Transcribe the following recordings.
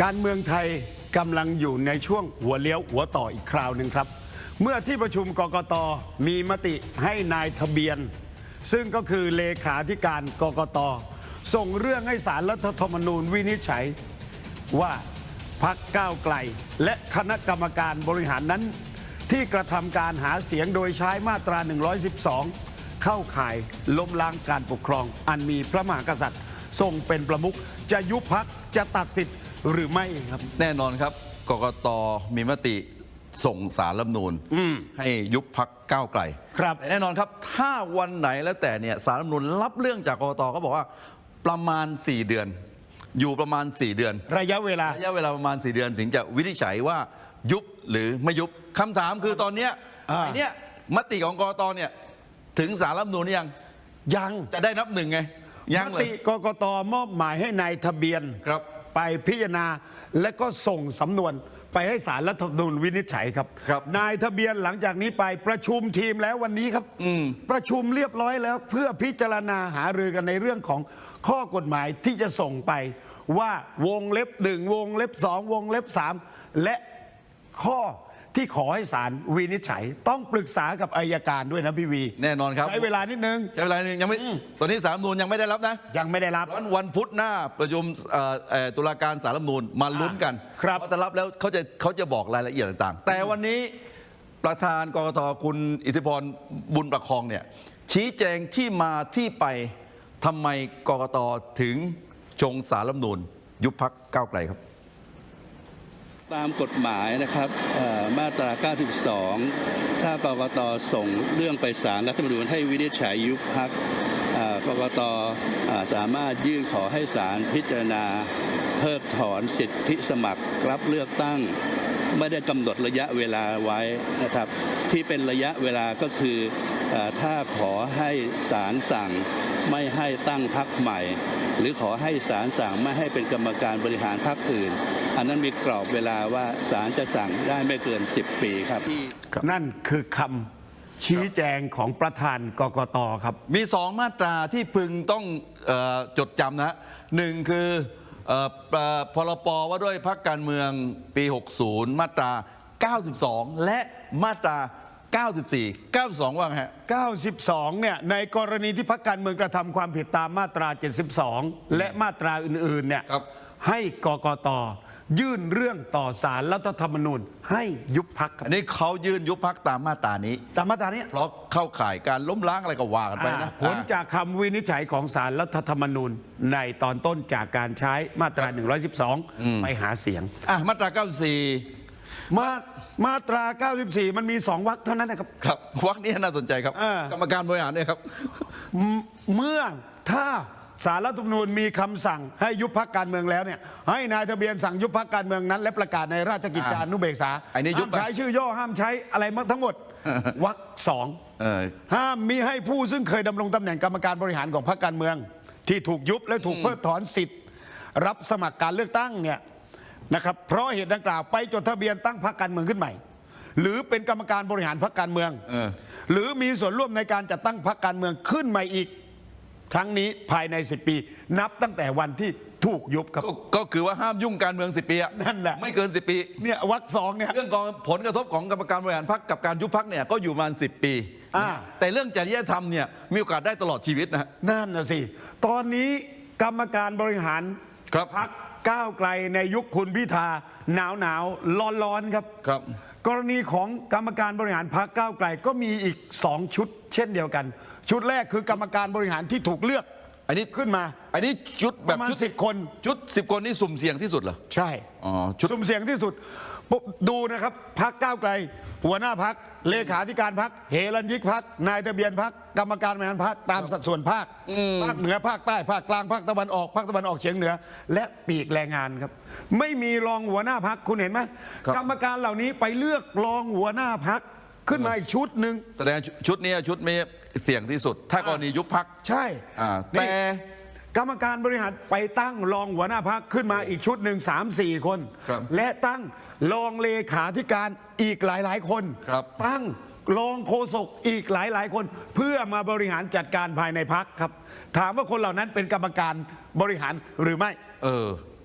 การเมืองไทยกำลังอยู่ในช่วงหัวเลี้ยวหัวต่ออีกคราวหนึ่งครับเมื่อที่ประชุมกกต.มีมติให้นายทะเบียนซึ่งก็คือเลขาธิการกกต.ส่งเรื่องให้ศาลรัฐธรรมนูญวินิจฉัยว่าพรรคก้าวไกลและคณะกรรมการบริหารนั้นที่กระทำการหาเสียงโดยใช้มาตรา 112 เข้าข่ายล้มล้างการปกครองอันมีพระมหากษัตริย์ทรงเป็นประมุขจะยุบพรรคจะตัดสิทธิ์หรือไม่ครับแน่นอนครับกกต.มีมติส่งสารรัฐธรรมนูญให้ยุบพรรคก้าวไกลครับแต่แน่นอนครับถ้าวันไหนแล้วแต่เนี่ยสารรัฐธรรมนูญรับเรื่องจากกกต.ก็บอกว่าประมาณ4 เดือนอยู่ประมาณ4 เดือนระยะเวลาประมาณ4 เดือนถึงจะวินิจฉัยว่ายุบหรือไม่ยุบคำถามคือตอนเนี้ยไอ้เนี้ยมติของกกต.เนี่ยถึงสารรัฐธรรมนูญยังจะได้นับหนึ่งไงยังมเลยติกกต.มอบหมายให้นายทะเบียนครับไปพิจารณาและก็ส่งสำนวนไปให้ศาลรัฐธรรมนูญวินิจฉัยครับ นายทะเบียนหลังจากนี้ไปประชุมทีมแล้ววันนี้ครับประชุมเรียบร้อยแล้วเพื่อพิจารณาหารือกันในเรื่องของข้อกฎหมายที่จะส่งไปว่าวงเล็บ 1 วงเล็บ 2 วงเล็บ 3 และข้อที่ขอให้ศาลวินิจฉัยต้องปรึกษากับอัยการด้วยนะพี่วีแน่นอนครับใช้เวลานิดนึงยังไม่ตอนนี้สารรัฐธรรมนูญยังไม่ได้รับนะยังไม่ได้รับวันพุธหน้าประชุมตุลาการศาลรัฐธรรมนูญมาลุ้นกันว่าจะรับแล้วเขาจะบอกรายละเอียดต่างๆแต่วันนี้ประธานกกต.คุณอิทธิพรบุญประคองเนี่ยชี้แจงที่มาที่ไปทำไมกกต.ถึงชงสารรัฐธรรมนูญยุบพรรคก้าวไกลครับตามกฎหมายนะครับมาตรา 92 ถ้ากกต.ส่งเรื่องไปศาลรัฐธรรมนูญให้วินิจฉัยยุบพรรคกกต.สามารถยื่นขอให้ศาลพิจารณาเพิกถอนสิทธิสมัครรับเลือกตั้งไม่ได้กำหนดระยะเวลาไว้นะครับที่เป็นระยะเวลาก็คือถ้าขอให้ศาลสั่งไม่ให้ตั้งพรรคใหม่หรือขอให้ศาลสั่งไม่ให้เป็นกรรมการบริหารพรรคอื่นอันนั้นมีกรอบเวลาว่าศาลจะสั่งได้ไม่เกิน10 ปีครับนั่นคือคำชี้แจงของประธานกกต.ครับมี2 มาตราที่พึงต้องจดจำนะหนึ่งคือพรป.ว่าด้วยพรรคการเมืองปี 60 มาตรา 92 และมาตรา 94 92 ว่าไงฮะ 92 เนี่ยในกรณีที่พรรคการเมืองกระทำความผิดตามมาตรา 72 และมาตราอื่นๆเนี่ยให้กกต.ยื่นเรื่องต่อศาลรัฐธรรมนูญให้ยุบพรรคอันนี้เขายื่นยุบพรรคตามมาตรานี้เพราะเข้าข่ายการล้มล้างอะไรก็ว่ากันไปนะผลจากคำวินิจฉัยของศาลรัฐธรรมนูญในตอนต้นจากการใช้มาตรา 112 ไปหาเสียงมาตรา 94 มาตรา 94 มันมี2 วรรคเท่านั้นนะครับครับวรรคนี้น่าสนใจครับกรรมการบริหารเนี่ยครับเมื่อถ้าศาลรัฐธรรมนูญมีคำสั่งให้ยุบพรรคการเมืองแล้วเนี่ยให้นายทะเบียนสั่งยุบพรรคการเมืองนั้นและประกาศในราชกิจจานุเบกษาห้ามใช้ชื่อย่อห้ามใช้อะไรทั้งหมดวรรค 2ห้ามมิให้ผู้ซึ่งเคยดำรงตำแหน่งกรรมการบริหารของพรรคการเมืองที่ถูกยุบและถูกเพิกถอนสิทธิ์รับสมัครการเลือกตั้งเนี่ยนะครับเพราะเหตุดังกล่าวไปจดทะเบียนตั้งพรรคการเมืองขึ้นใหม่หรือเป็นกรรมการบริหารพรรคการเมืองหรือมีส่วนร่วมในการจัดตั้งพรรคการเมืองขึ้นใหม่อีกทั้งนี้ภายใน10 ปีนับตั้งแต่วันที่ถูกยุบครับก็คือว่าห้ามยุ่งการเมือง10 ปีนั่นแหละไม่เกิน10 ปีเนี่ยวรรค 2เนี่ยเรื่องของผลกระทบของกรรมการบริหารพรรคกับการยุบพรรคเนี่ยก็อยู่ประมาณ10 ปีแต่เรื่องจริยธรรมเนี่ยมีโอกาสได้ตลอดชีวิตนะนั่นนะสิตอนนี้กรรมการบริหารพรรคก้าวไกลในยุคคุณพิธาหนาวร้อนครับกรณีของกรรมการบริหารพรรคก้าวไกลก็มีอีก2 ชุดเช่นเดียวกันชุดแรกคือกรรมการบริหารที่ถูกเลือกอันนี้ขึ้นมาอันนี้ชุดแบบชุด10 คนชุด10 คนนี่สุ่มเสี่ยงที่สุดเหรอใช่สุ่มเสี่ยงที่สุดดูนะครับพรรคก้าวไกลหัวหน้าพรรคเลขาธิการพรรคเฮรัญญิกพรรคนายทะเบียนพรรคกรรมการบริหารพรรคตามสัดส่วนภาคเหนือภาคใต้ภาคกลางภาคตะวันออกภาคตะวันออกเฉียงเหนือและปีกแรงงานครับไม่มีรองหัวหน้าพรรคคุณเห็นไหมกรรมการเหล่านี้ไปเลือกรองหัวหน้าพรรคขึ้นมาอีกชุดหนึ่งแสดงชุดนี้ชุดมีเสี่ยงที่สุดถ้ากรณียุบพรรคใช่แต่กรรมการบริหารไปตั้งรองหัวหน้าพรรคขึ้นมาอีกชุดหนึ่ง3-4 คนและตั้งรองเลขาธิการอีกหลายคนตั้งรองโฆษกอีกหลายคนเพื่อมาบริหารจัดการภายในพรรคครับถามว่าคนเหล่านั้นเป็นกรรมการบริหารหรือไม่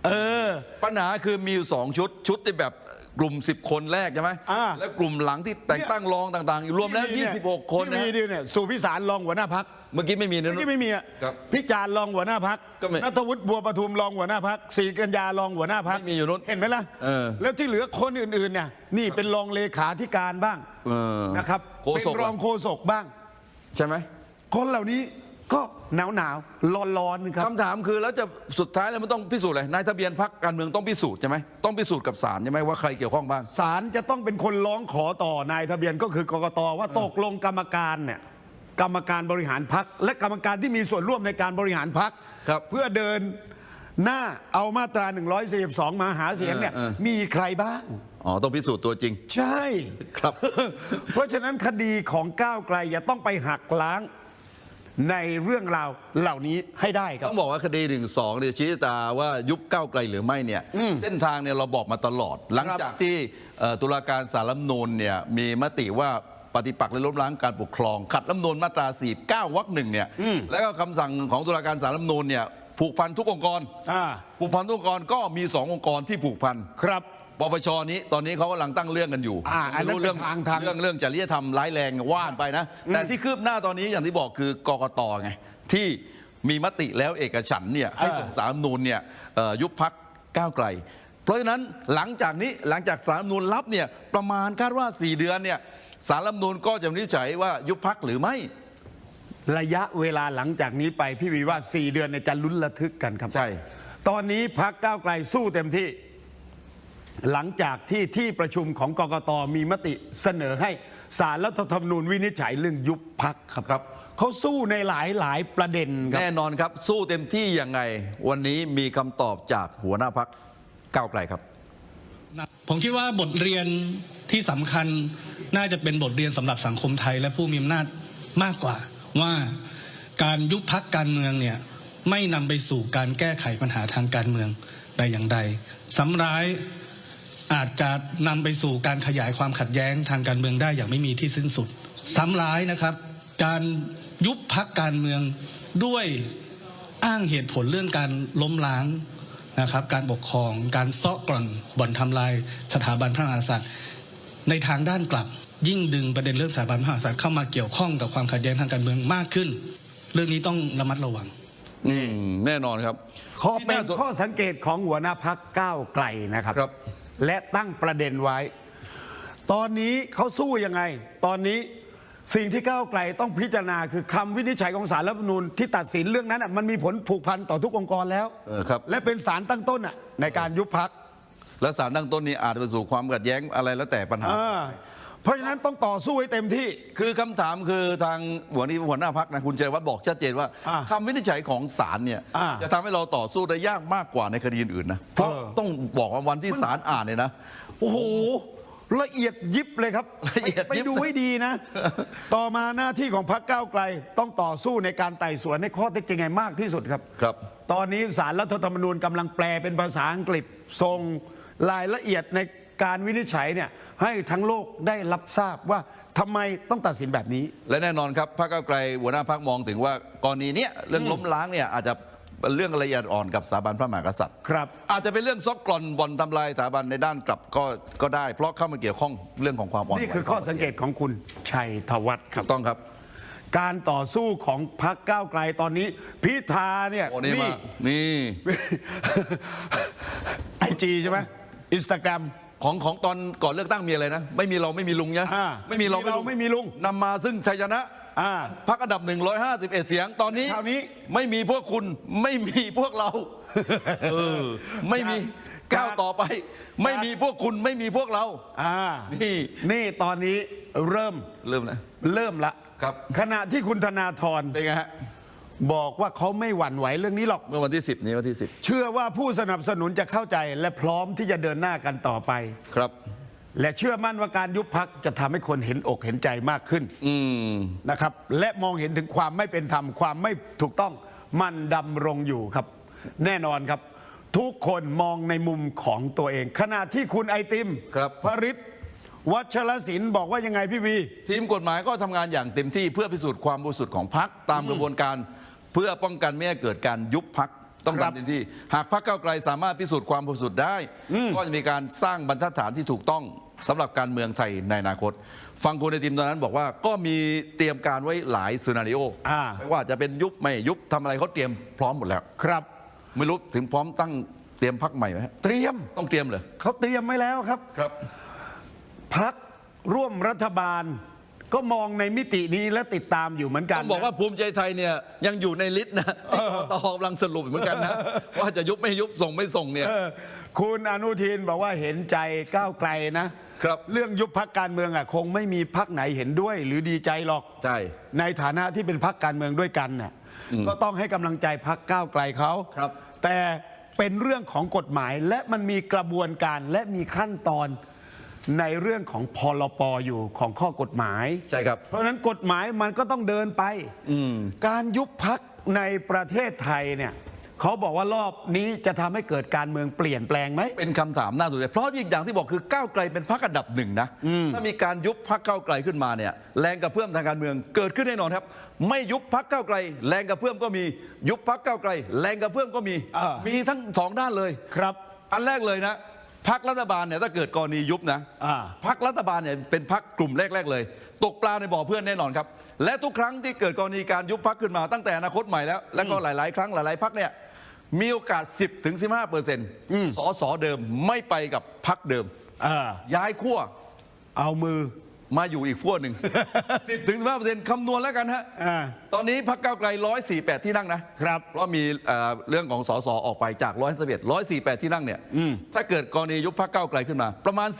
ปัญหาคือมีอยู่2 ชุดที่แบบกลุ่ม10 คนแรกใช่ไหมแล้วกลุ่มหลังที่แต่งตั้งรองต่างๆรวมแล้ว26 คนนะที่มีดิเนี่ยสุพิสารรองหัวหน้าพักเมื่อกี้ไม่มีนะเมื่อกี้ไม่มีอ่ะครับพิจารณ์รองหัวหน้าพักก็ไม่นัทวุฒิบัวประทุมรองหัวหน้าพักศรีกัญญารองหัวหน้าพักไม่มีอยู่นู้นเห็นไหมล่ะ แล้วที่เหลือคนอื่นๆเนี่ยนี่เป็นรองเลขาธิการบ้างนะครับโฆเป็นษกรองโฆษกบ้างใช่ไหมคนเหล่านี้ก็หนาวร้อนครับคำถามคือแล้วจะสุดท้ายแล้วมันต้องพิสูจน์อะไรนายทะเบียนพรรคการเมืองต้องพิสูจน์ใช่ไหมต้องพิสูจน์กับศาลใช่ไหมว่าใครเกี่ยวข้องบ้างศาลจะต้องเป็นคนร้องขอต่อนายทะเบียนก็คือกกตว่าตกลงกรรมการเนี่ยกรรมการบริหารพรรคและกรรมการที่มีส่วนร่วมในการบริหารพรรคครับเพื่อเดินหน้าเอามาตรา 142 มาหาเสียงเนี่ยมีใครบ้างอ๋อต้องพิสูจน์ตัวจริงใช่ครับเพราะฉะนั้นคดีของก้าวไกลจะต้องไปหักล้างในเรื่องราวเหล่านี้ให้ได้ครับต้องบอกว่าคดี1-2เนี่ยชี้ชะตาว่ายุบก้าวไกลหรือไม่เนี่ยเส้นทางเนี่ยเราบอกมาตลอด หลังจากที่ตุลาการศาลรัฐธรรมนูญเนี่ยมีมติว่าปฏิปักษ์และล้มล้างการปกครองขัดรัฐธรรมนูญมาตรา49 วรรค 1เนี่ยแล้วก็คำสั่งของตุลาการศาลรัฐธรรมนูญเนี่ยผูกพันทุกองค์กรผูกพันทุกองค์กรก็มี2 องค์กรที่ผูกพันครับปปชนี้ตอนนี้เขากำลังตั้งเรื่องกันอยู่อันนั้นไม่รู้เรื่องเป็นทางเรื่องจริยธรรมร้ายแรงว่านไปนะ แต่ที่คืบหน้าตอนนี้อย่างที่บอกคือกกตไงที่มีมติแล้วเอกฉันท์เนี่ยให้ส่งศาลรัฐธรรมนูญเนี่ยยุบพรรคก้าวไกล เพราะฉะนั้นหลังจากศาลรัฐธรรมนูญรับเนี่ยประมาณคาดว่า4 เดือนเนี่ยศาลรัฐธรรมนูญก็จะวินิจฉัยว่ายุบพรรคหรือไม่ระยะเวลาหลังจากนี้ไปพี่วีว่า 4 เดือนเนี่ยจะลุ้นระทึกกันครับใช่ตอนนี้พรรคก้าวไกลสู้เต็มที่ หลังจากที่ประชุมของกกตมีมติเสนอให้ศาลรัฐธรรมนูญวินิจฉัยเรื่องยุบพรรคครับเขาสู้ในหลายประเด็นครับแน่นอนครับสู้เต็มที่ยังไงวันนี้มีคำตอบจากหัวหน้าพรรคก้าวไกลครับผมคิดว่าบทเรียนที่สำคัญน่าจะเป็นบทเรียนสำหรับสังคมไทยและผู้มีอำนาจมากกว่าว่าการยุบพรรคการเมืองเนี่ยไม่นำไปสู่การแก้ไขปัญหาทางการเมืองแต่อย่างใดซ้ำร้ายอาจจะนำไปสู่การขยายความขัดแย้งทางการเมืองได้อย่างไม่มีที่สิ้นสุดซ้ำร้ายนะครับการยุบพรรคการเมืองด้วยอ้างเหตุผลเรื่องการล้มล้างนะครับการปกครองการเซาะกร่อนบ่อนทำลายสถาบันพระมหากษัตริย์ในทางด้านกลับยิ่งดึงประเด็นเรื่องสถาบันพระมหากษัตริย์เข้ามาเกี่ยวข้องกับความขัดแย้งทางการเมืองมากขึ้นเรื่องนี้ต้องระมัดระวังแน่นอนครับเป็นข้อสังเกตของหัวหน้าพักก้าวไกลนะครับ และตั้งประเด็นไว้ ตอนนี้เขาสู้ยังไง ตอนนี้สิ่งที่ก้าวไกลต้องพิจารณาคือคำวินิจฉัยของศาลรัฐธรรมนูญที่ตัดสินเรื่องนั้นมันมีผลผูกพันต่อทุกองค์กรแล้วครับและเป็นศาลตั้งต้นในการยุบพรรคและสารตั้งต้นนี้อาจจะไปสู่ความขัดแย้งอะไรแล้วแต่ปัญหาเพราะฉะนั้นต้องต่อสู้ให้เต็มที่คือคำถามคือทางหัวหน้าพักนะคุณเจรวัฒน์บอกชัดเจนว่าคำวินิจฉัยของศาลเนี่ยจะทำให้เราต่อสู้ได้ยากมากกว่าในคดีอื่นๆนะเพราะต้องบอกว่าวันที่ศาลอ่านเนี่ยนะโอ้โหละเอียดยิบเลยครับละเอียดยิบไปดูให้ดีนะ ต่อมาหน้าที่ของพรรคก้าวไกลต้องต่อสู้ในการไต่สวนในข้อเท็จจริงให้มากที่สุดครับครับตอนนี้ศาลรัฐธรรมนูญกำลังแปลเป็นภาษาอังกฤษส่งรายละเอียดในการวินิจฉัยเนี่ยให้ทั้งโลกได้รับทราบว่าทำไมต้องตัดสินแบบนี้และแน่นอนครับพรรคก้าวไกลหัวหน้าพรรคมองถึงว่ากรณีเนี้ยเรื่องล้มล้างเนี่ยอาจจะเป็นเรื่องละเอียดอ่อนกับสถาบันพระมหากษัตริย์ครับอาจจะเป็นเรื่องซอกกร่อนบ่อนทำลายสถาบันในด้านกลับก็ได้ เพราะเข้ามาเกี่ยวข้องเรื่องของความอ่อนไหวนี่คือข้อสังเกตของคุณชัยธวัฒน์คถูรับกต้องครับการต่อสู้ของพรรคก้าวไกลตอนนี้พิธาเนี่ยโอ้นี่มานี่ IG ใช่ไหมอินสตาแกรมของตอนก่อนเลือกตั้งมีอะไรนะไม่มีเราไม่มีลุงนะไม่มีเราไม่มีลุงนำมาซึ่งชัยชนะพรรคอันดับ151เสียงตอนนี้คราวนี้ไม่มีพวกคุณไม่มีพวกเราไม่มีก้าวต่อไป ไม่มีพวกคุณไม่มีพวกเรานี่ตอนนี้เริ่มละครับขณะที่คุณธนาธรเป็นไงฮะบอกว่าเขาไม่หวั่นไหวเรื่องนี้หรอกเมื่อวันที่10นี้วันที่10 เชื่อว่าผู้สนับสนุนจะเข้าใจและพร้อมที่จะเดินหน้ากันต่อไปครับและเชื่อมั่นว่าการยุบพรรคจะทำให้คนเห็นอกเห็นใจมากขึ้นนะครับและมองเห็นถึงความไม่เป็นธรรมความไม่ถูกต้องมันดำรงอยู่ครับ แน่นอนครับ ทุกคนมองในมุมของตัวเอง ขณะที่คุณไอติมครับพริศวัชรศิลป์บอกว่ายังไงพี่วีทีมกฎหมายก็ทำงานอย่างเต็มที่เพื่อพิสูจน์ความบริสุทธิ์ของพรรคตามกระบวนการเพื่อป้องกันไม่ให้เกิดการยุบพรรคต้องครับทำเต็มที่หากพรรคก้าวไกลสามารถพิสูจน์ความบริสุทธิ์ได้ ก็จะมีการสร้างบรรทัดฐานที่ถูกต้องสำหรับการเมืองไทยในอนาคต ฟังคุณไอติมตอนนั้นบอกว่าก็มีเตรียมการไว้หลายซีนาริโอไม่ว่าจะเป็นยุบไม่ยุบทำอะไรเขาเตรียมพร้อมหมดแล้วครับไม่รู้ถึงพร้อมตั้งเตรียมพรรคใหม่ไหมฮะเตรียมต้องเตรียมเลยเขาเตรียมไว้แล้วครับครับพักร่วมรัฐบาล ก็มองในมิตินี้และติดตามอยู่เหมือนกันต้องบอกว่าภูมิใจไทยเนี่ยยังอยู่ในลิสต์นะที่กตกำลังสรุปเหมือนกันนะ ว่าจะยุบไม่ยุบส่งไม่ส่งเนี่ยคุณอนุทินบอกว่าเห็นใจก้าวไกลนะครับ เรื่องยุบพักการเมืองคงไม่มีพักไหนเห็นด้วย หรือดีใจหรอกใช่ในฐานะที่เป็นพักการเมืองด้วยกันน่ะก็ต้องให้กำลังใจพักก้าวไกลเขาครับแต่เป็นเรื่องของกฎหมายและมันมีกระบวนการและมีขั้นตอนในเรื่องของพรปอยู่ของข้อกฎหมายใช่ครับเพราะฉะนั้นกฎหมายมันก็ต้องเดินไปการยุบพักในประเทศไทยเนี่ยเขาบอกว่ารอบนี้จะทำให้เกิดการเมืองเปลี่ยนแปลงไหมเป็นคำถามน่าสนใจเพราะอีกอย่างที่บอกคือก้าวไกลเป็นพรรคอันดับหนึ่งนะถ้ามีการยุบพรรคก้าวไกลขึ้นมาเนี่ยแรงกระเพื่อมทางการเมืองเกิดขึ้นแน่นอนครับ ไม่ยุบพรรคก้าวไกลแรงกระเพื่อมก็มียุบพรรคก้าวไกลแรงกระเพื่อมก็มี มีทั้งสองด้านเลยครับอันแรกเลยนะพรรครัฐบาลเนี่ยถ้าเกิดกรณียุบนะพรรครัฐบาลเนี่ยเป็นพรรคกลุ่มแรกๆเลย ตกปลาในบ่อเพื่อนแน่นอนครับและทุกครั้งที่เกิดกรณีการยุบพรรคขึ้นมาตั้งแต่อนาคตใหม่แล้วและก็หลายๆครั้งหลายๆพรรคเนี่ยมีโอกาส 10-15%สสเดิมไม่ไปกับพรรคเดิมย้ายขั้วเอามือมาอยู่อีกขั้วหนึ่ง 10-15%คำนวณแล้วกันฮะตอนนี้พรรคก้าวไกล148ที่นั่งนะครับเพราะมีเรื่องของสสออกไปจาก148ที่นั่งเนี่ยถ้าเกิดกรณียุบพรรคก้าวไกลขึ้นมาประมาณ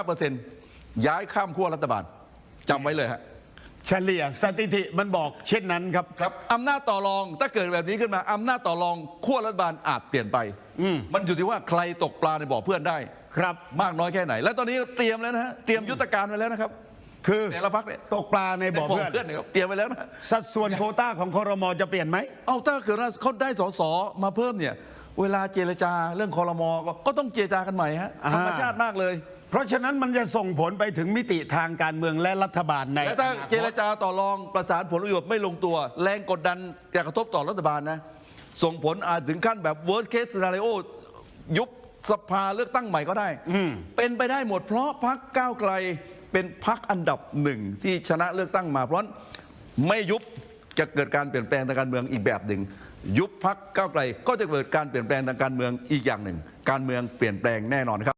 10-15%ย้ายข้ามขั้วรัฐบาลจำไว้เลยฮะเฉลี่ยสถิติมันบอกเช่นนั้นครับครับอำนาจต่อรองถ้าเกิดแบบนี้ขึ้นมาอำนาจต่อรองขั้วรัฐบาลอาจเปลี่ยนไปมันอยู่ที่ว่าใครตกปลาในบ่อเพื่อนได้ครับมากน้อยแค่ไหน และตอนนี้เตรียมแล้วนะฮะเตรียมยุทธการไว้แล้วนะครับคือแต่ละพรรคเนี่ยตกปลาในบ่อเพื่อนเนี่ยครับเตรียมไว้แล้วนะสัดส่วนโควต้าของครมจะเปลี่ยนไหมเอาถ้าเกิดว่าเขาได้สสมาเพิ่มเนี่ยเวลาเจรจาเรื่องคอรมก็ต้องเจรจากันใหม่ฮะธรรมชาติมากเลยเพราะฉะนั้นมันจะส่งผลไปถึงมิติทางการเมืองและรัฐบาลในและถ้าเจรจาต่อรองประสานผลประโยชน์ไม่ลงตัว แรงกดดันจะกระทบต่อรัฐบาลนะส่งผลอาจถึงขั้นแบบ worst case scenario ยุบสภาเลือกตั้งใหม่ก็ได้เป็นไปได้หมดเพราะพรรคก้าวไกลเป็นพรรคอันดับหนึ่งที่ชนะเลือกตั้งมาเพราะไม่ยุบจะเกิดการเปลี่ยนแปลงทางการเมืองอีกแบบหนึ่งยุบพรรคก้าวไกลก็จะเกิดการเปลี่ยนแปลงทางการเมืองอีกอย่างหนึ่งการเมืองเปลี่ยนแปลงแน่นอนครับ